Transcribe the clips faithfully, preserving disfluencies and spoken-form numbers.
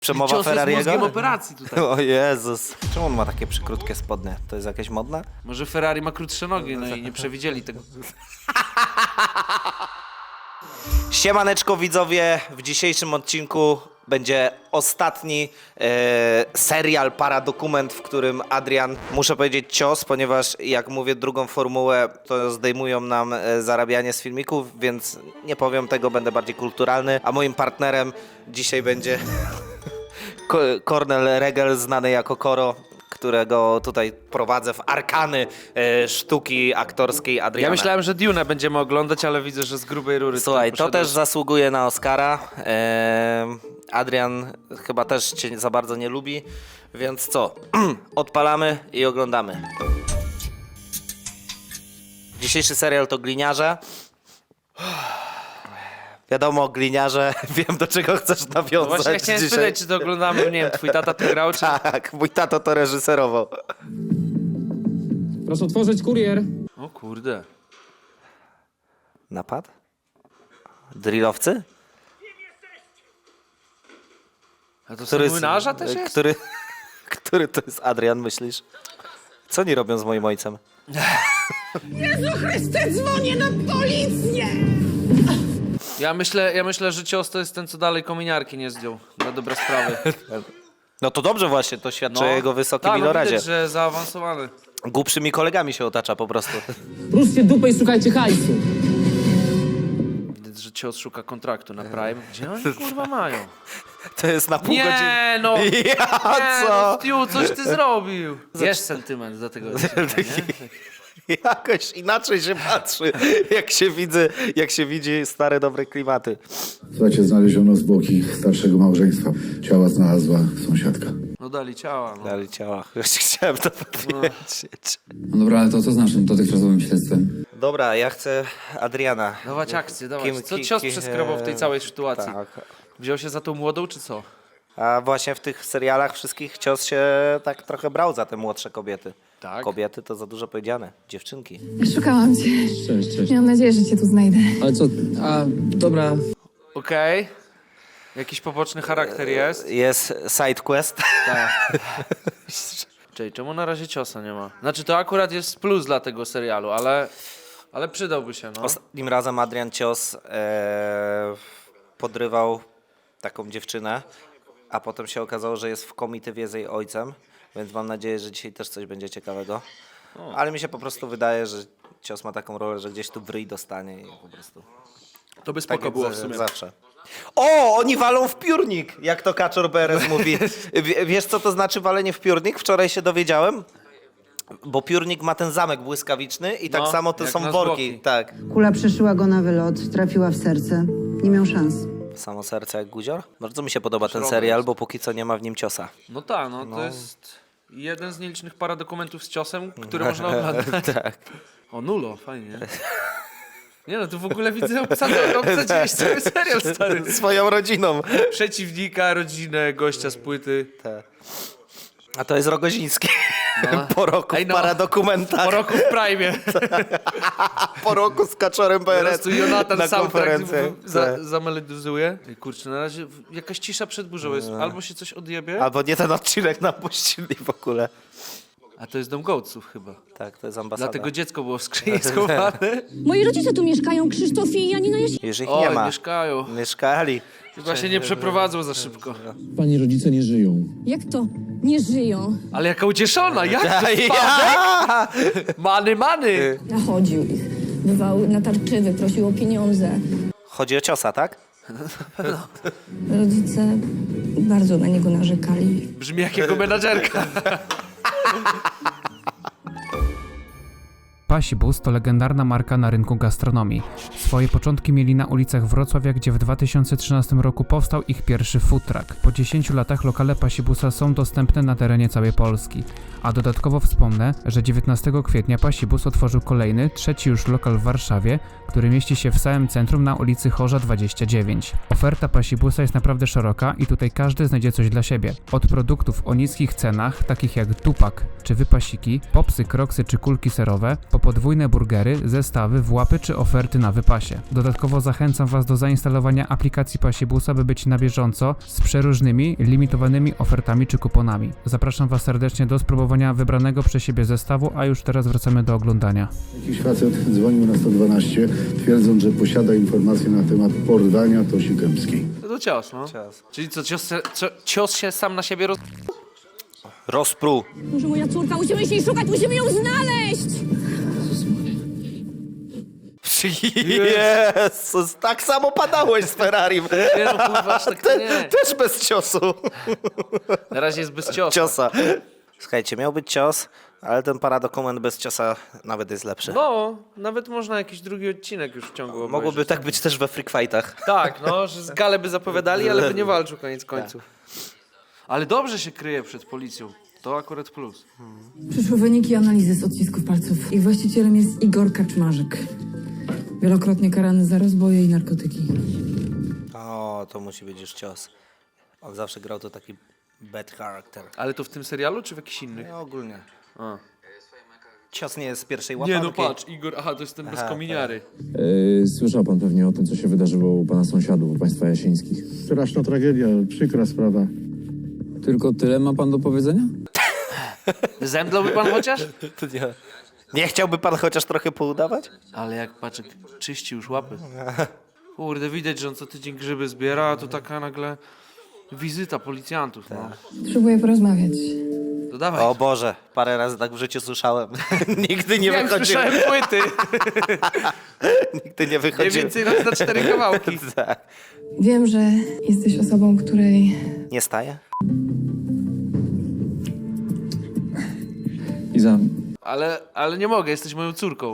Przemowa Cios jest Ferrariego? mózgiem operacji tutaj. O Jezus. Czemu on ma takie przykrótkie spodnie? To jest jakieś modne? Może Ferrari ma krótsze nogi, no i nie przewidzieli tego. Siemaneczko widzowie, w dzisiejszym odcinku będzie ostatni e, serial, paradokument, w którym Adrian, muszę powiedzieć cios, ponieważ jak mówię drugą formułę, to zdejmują nam e, zarabianie z filmików, więc nie powiem tego, będę bardziej kulturalny, a moim partnerem dzisiaj będzie Ko- Kornel Regel, znany jako Koro, którego tutaj prowadzę w arkany e, sztuki aktorskiej Adriana. Ja myślałem, że Dune będziemy oglądać, ale widzę, że z grubej rury. Słuchaj, tutaj to też poszedłeś. zasługuje na Oscara. Eee, Adrian chyba też cię za bardzo nie lubi, więc co? Odpalamy i oglądamy. Dzisiejszy serial to Gliniarze. Wiadomo, Gliniarze, wiem do czego chcesz No nawiązać właśnie, ja chciałem dzisiaj. spytać, czy to oglądamy, nie wiem, twój tata to grał, czy... Tak, mój tato to reżyserował. Proszę otworzyć kurier. O kurde. Napad? Drillowcy? A to Który z młynarza też jest? Który, który to jest Adrian, myślisz? Co oni robią z moim ojcem? Jezu Chryste, dzwonię na policję! Ja myślę, ja myślę, że cios to jest ten, co dalej kominiarki nie zdjął. Na dobre sprawy. No to dobrze właśnie, to świadczy o jego wysokim tak, no ilorazie. widać, że zaawansowany. Głupszymi kolegami się otacza po prostu. Ruszcie dupę i szukajcie hajsu. Widać, że cios szuka kontraktu na Prime. Gdzie oni kurwa mają? To jest na pół godziny. Nie no! Ja Nie co? no, Stu, coś ty zrobił! Jest sentyment do tego odcinka, nie? Jakoś inaczej się patrzy, jak się widzę, jak się widzi stare, dobre klimaty. Słuchajcie, znaleziono zwłoki starszego małżeństwa. Ciała znalazła sąsiadka. No dali ciała, no. Dali ciała, już chciałem to powiedzieć. No dobra, ale to co z naszym dotychczasowym śledztwem? Dobra, ja chcę Adriana. Dawać akcję, dawać. Kim- Co ki- cios ki- przeskrobał w tej całej sytuacji? Tak. Wziął się za tą młodą, czy co? A właśnie w tych serialach wszystkich cios się tak trochę brał za te młodsze kobiety. Tak? Kobiety to za dużo powiedziane. Dziewczynki. Szukałam cię. Cześć, cześć. Miałam nadzieję, że cię tu znajdę. Ale co, a dobra. Okej. Jakiś poboczny charakter jest? Jest side quest. Tak. Czyli czemu na razie ciosa nie ma? Znaczy to akurat jest plus dla tego serialu, ale, ale przydałby się, no. Ostatnim razem Adrian Cios e, podrywał taką dziewczynę, a potem się okazało, że jest w komitywie z jej ojcem, więc mam nadzieję, że dzisiaj też coś będzie ciekawego. Ale mi się po prostu wydaje, że Cios ma taką rolę, że gdzieś tu w ryj dostanie i po prostu... To by Tak spoko jak było za- w sumie. Zawsze. O, oni walą w piórnik, jak to Kaczor Beres mówi. W, wiesz, co to znaczy walenie w piórnik? Wczoraj się dowiedziałem. Bo piórnik ma ten zamek błyskawiczny i tak No, samo to jak są na worki. zwłoki. Tak. Kula przeszyła go na wylot, trafiła w serce. Nie miał szans. Samo serce jak guzior. Bardzo mi się podoba ten Szrobek serial, jest. bo póki co nie ma w nim ciosa. No tak, no, to jest jeden z nielicznych paradokumentów z ciosem, który można oglądać. Tak. O, nulo, fajnie. Nie no, tu w ogóle widzę, obsadzę, obsadziłeś cały serial, stary. Swoją rodziną. Przeciwnika, rodzinę, gościa z płyty. A to jest Rogoziński. No. Po roku Ej, w no. paradokumentach. Po roku w Prime. Po roku z Kaczorem Teraz Beres tu Jonatan na soundtrack konferencję. za, Tak. zamelodyzuje. Ej, kurczę, na razie w- jakaś cisza przed burzą jest. Albo się coś odjebie, Albo nie ten odcinek nam puścili w ogóle. a to jest dom gołców chyba. Tak, to jest ambasada. Dlatego dziecko było w skrzyni schowane. Moi rodzice tu mieszkają, Krzysztof i Janina Jaś... Już ich O, nie ma. mieszkają. Mieszkali. Chyba się nie przeprowadzą za szybko. Pani rodzice nie żyją. Jak to? Nie żyją. Ale jaka ucieszona, jak to spadek? Ja! Many, many. Nachodził ich. Bywał natarczywy, prosił o pieniądze. Chodzi o ciosa, tak? Rodzice bardzo na niego narzekali. Brzmi jak jego menadżerka. Pasibus to legendarna marka na rynku gastronomii. Swoje początki mieli na ulicach Wrocławia, gdzie w dwa tysiące trzynastym roku powstał ich pierwszy food truck. Po dziesięciu latach lokale Pasibusa są dostępne na terenie całej Polski. A dodatkowo wspomnę, że dziewiętnastego kwietnia Pasibus otworzył kolejny, trzeci już lokal w Warszawie, który mieści się w samym centrum na ulicy Chorza dwadzieścia dziewięć. Oferta Pasibusa jest naprawdę szeroka i tutaj każdy znajdzie coś dla siebie. Od produktów o niskich cenach, takich jak dupak czy wypasiki, popsy, kroksy czy kulki serowe, po podwójne burgery, zestawy, włapy czy oferty na wypasie. Dodatkowo zachęcam Was do zainstalowania aplikacji Pasibusa, by być na bieżąco z przeróżnymi, limitowanymi ofertami czy kuponami. Zapraszam Was serdecznie do spróbowania wybranego przez siebie zestawu, a już teraz wracamy do oglądania. Jakiś facet dzwonił na sto dwanaście, twierdząc, że posiada informacje na temat porwania Tosi Kępskiej. No to cios, no. Cios. Czyli co, cios, se- co, cios się sam na siebie roz... Rozpruł. Może moja córka, musimy się jej szukać, musimy ją znaleźć! Jezus, tak samo padałeś z Ferrarim. Nie no, kurwa, aż tak to nie. Też bez ciosu. Na razie jest bez ciosu. Ciosa. Słuchajcie, miał być cios, ale ten paradokument bez ciosa nawet jest lepszy. No, nawet można jakiś drugi odcinek już w ciągu obejrzeć. Mogłoby tak być też we freak fightach. Tak, no, że z gale by zapowiadali, ale by nie walczył koniec końców. Ale dobrze się kryje przed policją. To akurat plus. Przyszły wyniki analizy z odcisków palców. Ich właścicielem jest Igor Kaczmarzyk. Wielokrotnie karany za rozboje i narkotyki. O, to musi być już cios. On zawsze grał to taki bad character. Ale to w tym serialu, czy w jakichś innych? No, ogólnie. A. Cios nie jest z pierwszej łapanki. Nie no, patrz, Igor, aha, to jest ten bez kominiary. Yy, słyszał pan pewnie o tym, co się wydarzyło u pana sąsiadów, u państwa Jasińskich. Straszna tragedia, przykra sprawa. Tylko tyle ma pan do powiedzenia? Zemdlałby pan chociaż? To nie. Nie chciałby pan chociaż trochę poudawać? Ale jak paczek czyści już łapy. Kurde, widać, że on co tydzień grzyby zbiera, a tu taka nagle wizyta policjantów, no. Potrzebuję porozmawiać. To dawaj. O Boże, parę razy tak w życiu słyszałem. Nigdy nie Jak wychodziłem. słyszałem płyty. Nigdy nie Nie wychodziłem. więcej raz na cztery kawałki. Tak. Wiem, że jesteś osobą, której Nie staje? Iza, Ale, ale nie mogę, jesteś moją córką.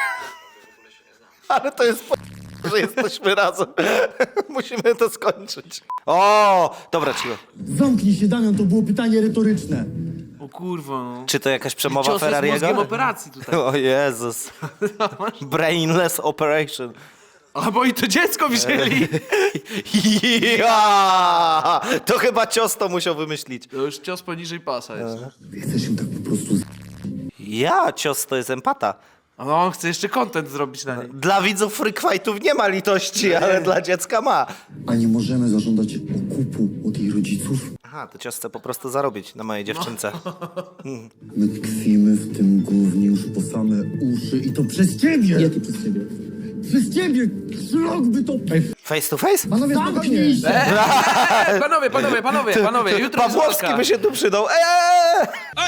Ale to jest po... że jesteśmy razem. Musimy to skończyć. O, dobra, cicho. Zamknij się, Damian, to było pytanie retoryczne. O kurwa, no. Czy to jakaś przemowa Cios jest mózgiem Ferrariego? operacji tutaj. O Jezus. Brainless operation. A bo i to dziecko wzięli. Ja! To chyba cios to musiał wymyślić. To już cios poniżej pasa jest. Chcesz ją tak po prostu z... Ja, cios to jest empata. A no, on chce jeszcze content zrobić na niej. Dla widzów freak fightów nie ma litości, ale dla dziecka ma. A nie możemy zażądać okupu od jej rodziców? Aha, to cios chce po prostu zarobić na mojej dziewczynce. My tkwimy w tym gównie już po same uszy i to przez ciebie! Jakie przez ciebie? Przez ciebie! Szlok by to... Face to face? Panowie, zamknij się! Eee, panowie, panowie, panowie, panowie, jutro jest Pawłowski walka. by się tu przydał. Eee!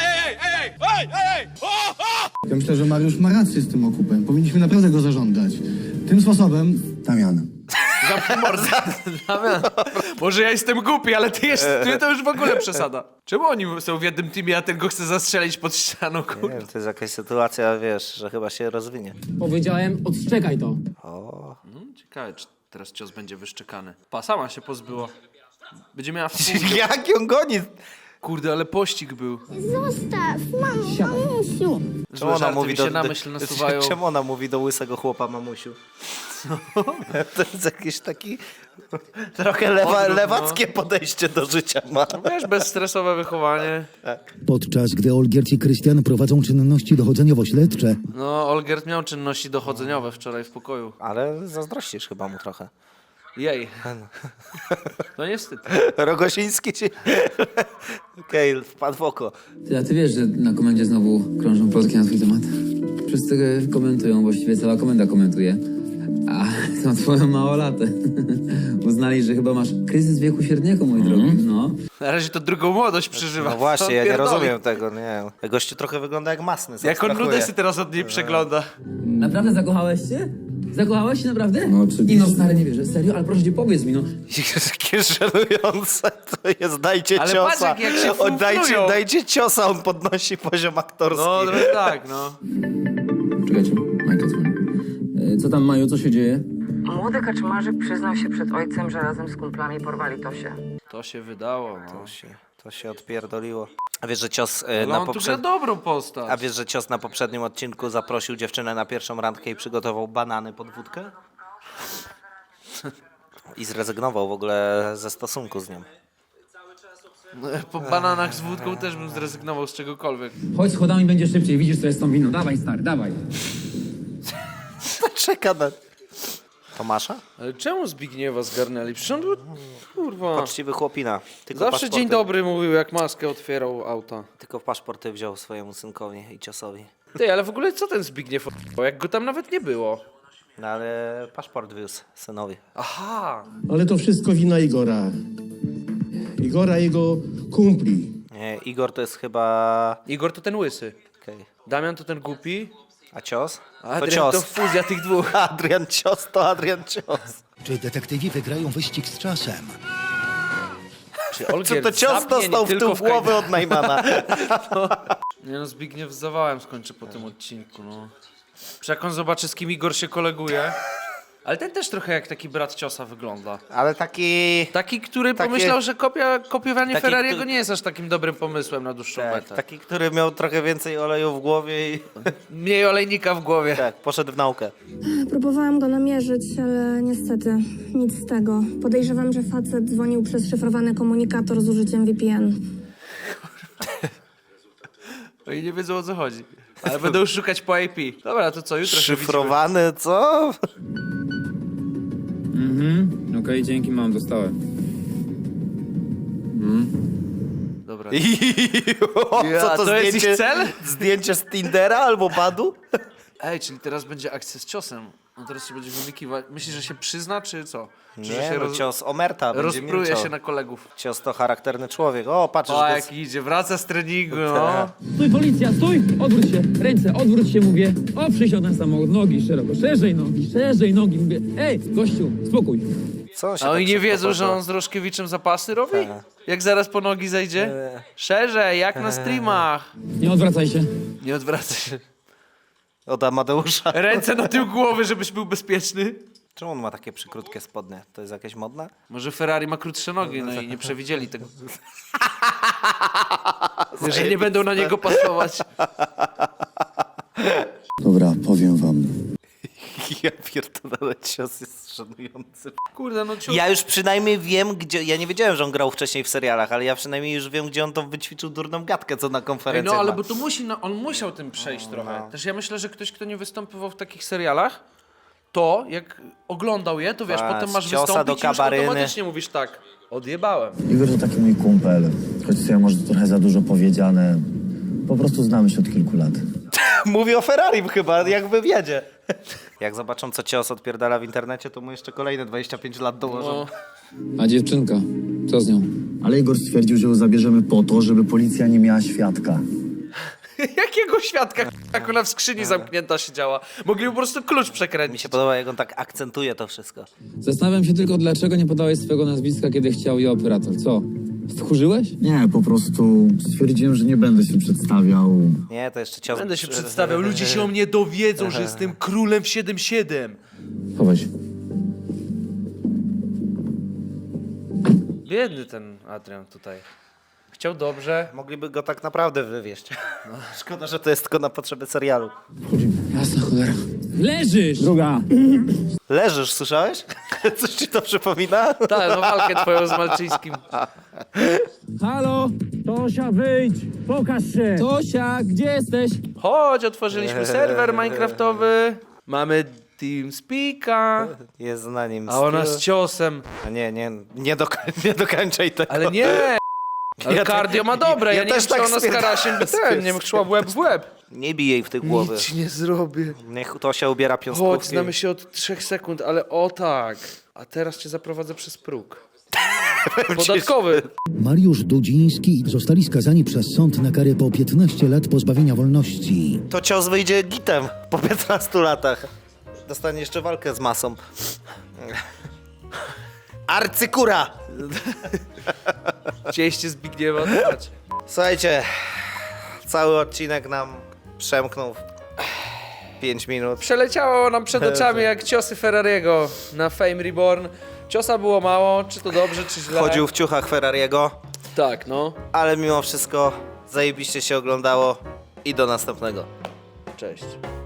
Ja myślę, że Mariusz ma rację z tym okupem. Powinniśmy naprawdę go zażądać. Tym sposobem... Damian. Zamknij mordę. Damian, może ja jestem głupi, ale ty, jest, ty to już w ogóle przesada. Czemu oni są w jednym teamie, a ten go chce zastrzelić pod ścianą, Nie kurde? wiem, to jest jakaś sytuacja, wiesz, że chyba się rozwinie. Powiedziałem, odstrzegaj to. Hmm, ciekawe, czy teraz cios będzie wyszczekany. Pa, sama się pozbyła. Będzie miała wpół... Jak ją goni? Kurde, ale pościg był. Zostaw, mamo, mamusiu! Czemu ona, żarty mówi mi się do, na do, myśl nasuwają. czemu ona mówi do łysego chłopa mamusiu? To jest jakieś taki trochę lewa, Odwrót, no. lewackie podejście do życia ma. Wiesz, bezstresowe wychowanie. Podczas gdy Olgierd i Krystian prowadzą czynności dochodzeniowo-śledcze, No, Olgierd miał czynności dochodzeniowe wczoraj w pokoju. Ale zazdrościsz chyba mu trochę. Jej. No niestety. Rogosiński ci... Okej, wpadł w oko. Ty, a ty wiesz, że na komendzie znowu krążą plotki na twój temat? Wszyscy komentują, właściwie cała komenda komentuje. A to twoją małolatę. Uznali, że chyba masz kryzys wieku średniego, mój drogi. No. Na razie to drugą młodość przeżywa. No właśnie, Co ja nie pierdoli? rozumiem tego, nie. Gościu trochę wygląda jak masny. Jak on abstrahuje. nudesy teraz od niej przegląda. Naprawdę zakochałeś się? Zakochałeś się naprawdę? No oczywiście. Nie no, stary, nie wierzę. Serio? Ale proszę cię, powiedz mi, no. Jakie żenujące to jest, dajcie Ale ciosa. patrz, jak- jak się Oddajcie, fuflują. dajcie ciosa, on podnosi poziom aktorski. No, trochę tak, no. Czekajcie, Majka dzwoni. E, Co tam, Maju, co się dzieje? Młody Kaczmarzyk przyznał się przed ojcem, że razem z kumplami porwali Tosię. To się wydało, no. To się, to się odpierdoliło. A wiesz, że cios e, Ale na on tu gra poprzednim... dobrą postać. A wiesz, że cios na poprzednim odcinku zaprosił dziewczynę na pierwszą randkę i przygotował banany pod wódkę? I zrezygnował w ogóle ze stosunku z nią. Po bananach z wódką też bym zrezygnował z czegokolwiek. Chodź schodami, będzie szybciej, widzisz, co jest z tą winą. Dawaj, stary, dawaj. Czeka na... Tomasza? Ale czemu Zbigniewa zgarnęli? Przecież on był, kurwa... Poczciwy chłopina. Tylko Zawsze paszporty, dzień dobry mówił, jak maskę otwierał auta. Tylko paszporty wziął swojemu synkowi i ciosowi. Ty, ale w ogóle co ten Zbigniew o***ał, jak go tam nawet nie było? No ale paszport wiózł synowi. Aha! Ale to wszystko wina Igora. Igora i jego kumpli. Nie, Igor to jest chyba... Igor to ten łysy. Okej. Damian to ten głupi. A cios? A To Adrian to cios. fuzja tych dwóch. Adrian cios to Adrian cios. Czy detektywi wygrają wyścig z czasem? Czy Co Olgierd to cios zabnie nie dostał w tylko tył w głowy od Najmana? Nie no, Zbigniew z zawałem skończy po tym odcinku, no. Przecież jak on zobaczy, z kim Igor się koleguje. Ale ten też trochę jak taki brat ciosa wygląda. Ale taki... Taki, który Takie- pomyślał, że kopia, kopiowanie Taki, Ferrariego który- nie jest aż takim dobrym pomysłem na dłuższą Tak, metę. taki, który miał trochę więcej oleju w głowie i Mniej olejnika w głowie. tak, poszedł w naukę. Próbowałam go namierzyć, ale niestety nic z tego. Podejrzewam, że facet dzwonił przez szyfrowany komunikator z użyciem V P N. Oni nie wiedzą, o co chodzi. Ale będą szukać po I P. Dobra, to co, jutro się Szyfrowany, co? Mhm, okej, dzięki, mam, dostałem. widzimy. Dobra. O, Ja, co to, to jest zdjęcie, ich cel? Zdjęcie z Tindera albo Badu? Ej, czyli teraz będzie akcja z ciosem. On teraz się będzie wymikiwać. Myślisz, że się przyzna, czy co? Czy że Nie, się no roz... cios Omerta będzie rozpruje milczał. się na kolegów? Cios to charakterny człowiek. O, patrz, O, że to jak idzie, wraca z treningu, no. Stój, policja, stój! Odwróć się, ręce, odwróć się, mówię. Oprzyj się o ten samochód, nogi szeroko, szerzej nogi, szerzej nogi, mówię. Ej, gościu, spokój. Co on się A oni tak nie szybko wiedzą, że poddał? on z Roszkiewiczem zapasy robi? Tak. Jak zaraz po nogi zejdzie? Eee. Szerzej, jak na streamach. Nie odwracaj się. Nie odwracaj się. Od Amadeusza. Ręce na tył głowy, żebyś był bezpieczny. Czemu on ma takie przykrótkie spodnie? To jest jakieś modne? Może Ferrari ma krótsze nogi, no i nie przewidzieli tego. Że nie będą na niego pasować. Dobra, powiem wam. Ja pierdolę, cios jest szanujący. Kurde, no ciu... Ja już przynajmniej wiem, gdzie... Ja nie wiedziałem, że on grał wcześniej w serialach, ale ja przynajmniej już wiem, gdzie on tą wyćwiczył durną gadkę, co na Ej, konferencji no ale ma. bo to musi, no, on musiał tym przejść trochę. Też ja myślę, że ktoś, kto nie występował w takich serialach, to jak oglądał je, to wiesz, Patrz, potem masz ciosa wystąpić do i już kabaryny. automatycznie mówisz tak, odjebałem. Igor to taki mój kumpel, choć sobie może to trochę za dużo powiedziane. Po prostu znamy się od kilku lat. Mówi o Ferrari chyba, jak w wywiadzie. Jak zobaczą, co cios odpierdala w internecie, to mu jeszcze kolejne dwadzieścia pięć lat dołożą. No. A dziewczynka, co z nią? Ale Igor stwierdził, że ją zabierzemy po to, żeby policja nie miała świadka. Jakiego świadka, jak ona w skrzyni zamknięta siedziała? Mogli po prostu klucz Mi przekręcić. się podoba, jak on tak akcentuje to wszystko. Zastanawiam się tylko, dlaczego nie podałeś swojego nazwiska, kiedy chciał je operator. Co? Wkurzyłeś? Nie, po prostu stwierdziłem, że nie będę się przedstawiał. Nie, to jeszcze cios... Będę się przedstawiał, ludzie się o mnie dowiedzą, że jestem królem w siedem siedem. Chowaj się. Biedny ten Adrian tutaj. Chciał dobrze. Mogliby go tak naprawdę wywieźć. No, szkoda, że to jest tylko na potrzeby serialu. Jasna cholera. Leżysz! Druga. Leżysz, słyszałeś? Coś ci to przypomina? Tak, no walkę twoją z Malczyńskim. Halo? Tosia, wyjdź! Pokaż się! Tosia, gdzie jesteś? Chodź, otworzyliśmy serwer minecraftowy. Mamy TeamSpeaka. Jest na nim A ona skill. z ciosem. A nie, nie, nie, dokoń, nie dokończaj tego. Ale nie! Ale Ja cardio te- ma dobre, ja, ja nie też wiem, czy tak ona z Karasiem by ten, nie wiem, szła w łeb w łeb. Nie bij jej w tej głowy. Nic ci nie zrobię. Niech to się ubiera Chodź, piąskówki. znamy się od trzech sekund, ale o tak. A teraz cię zaprowadzę przez próg. Podatkowy. Mariusz Dudziński zostali skazani przez sąd na karę po piętnaście lat pozbawienia wolności. To cios wyjdzie gitem po piętnastu latach. Dostanie jeszcze walkę z masą. Arcykura! Cieście Zbigniewa, to chodź. Słuchajcie, cały odcinek nam przemknął w pięć minut. Przeleciało nam przed oczami jak ciosy Ferrariego na Fame Reborn. Ciosa było mało, czy to dobrze, czy źle. Chodził w ciuchach Ferrariego, Tak, no. ale mimo wszystko zajebiście się oglądało i do następnego. Cześć.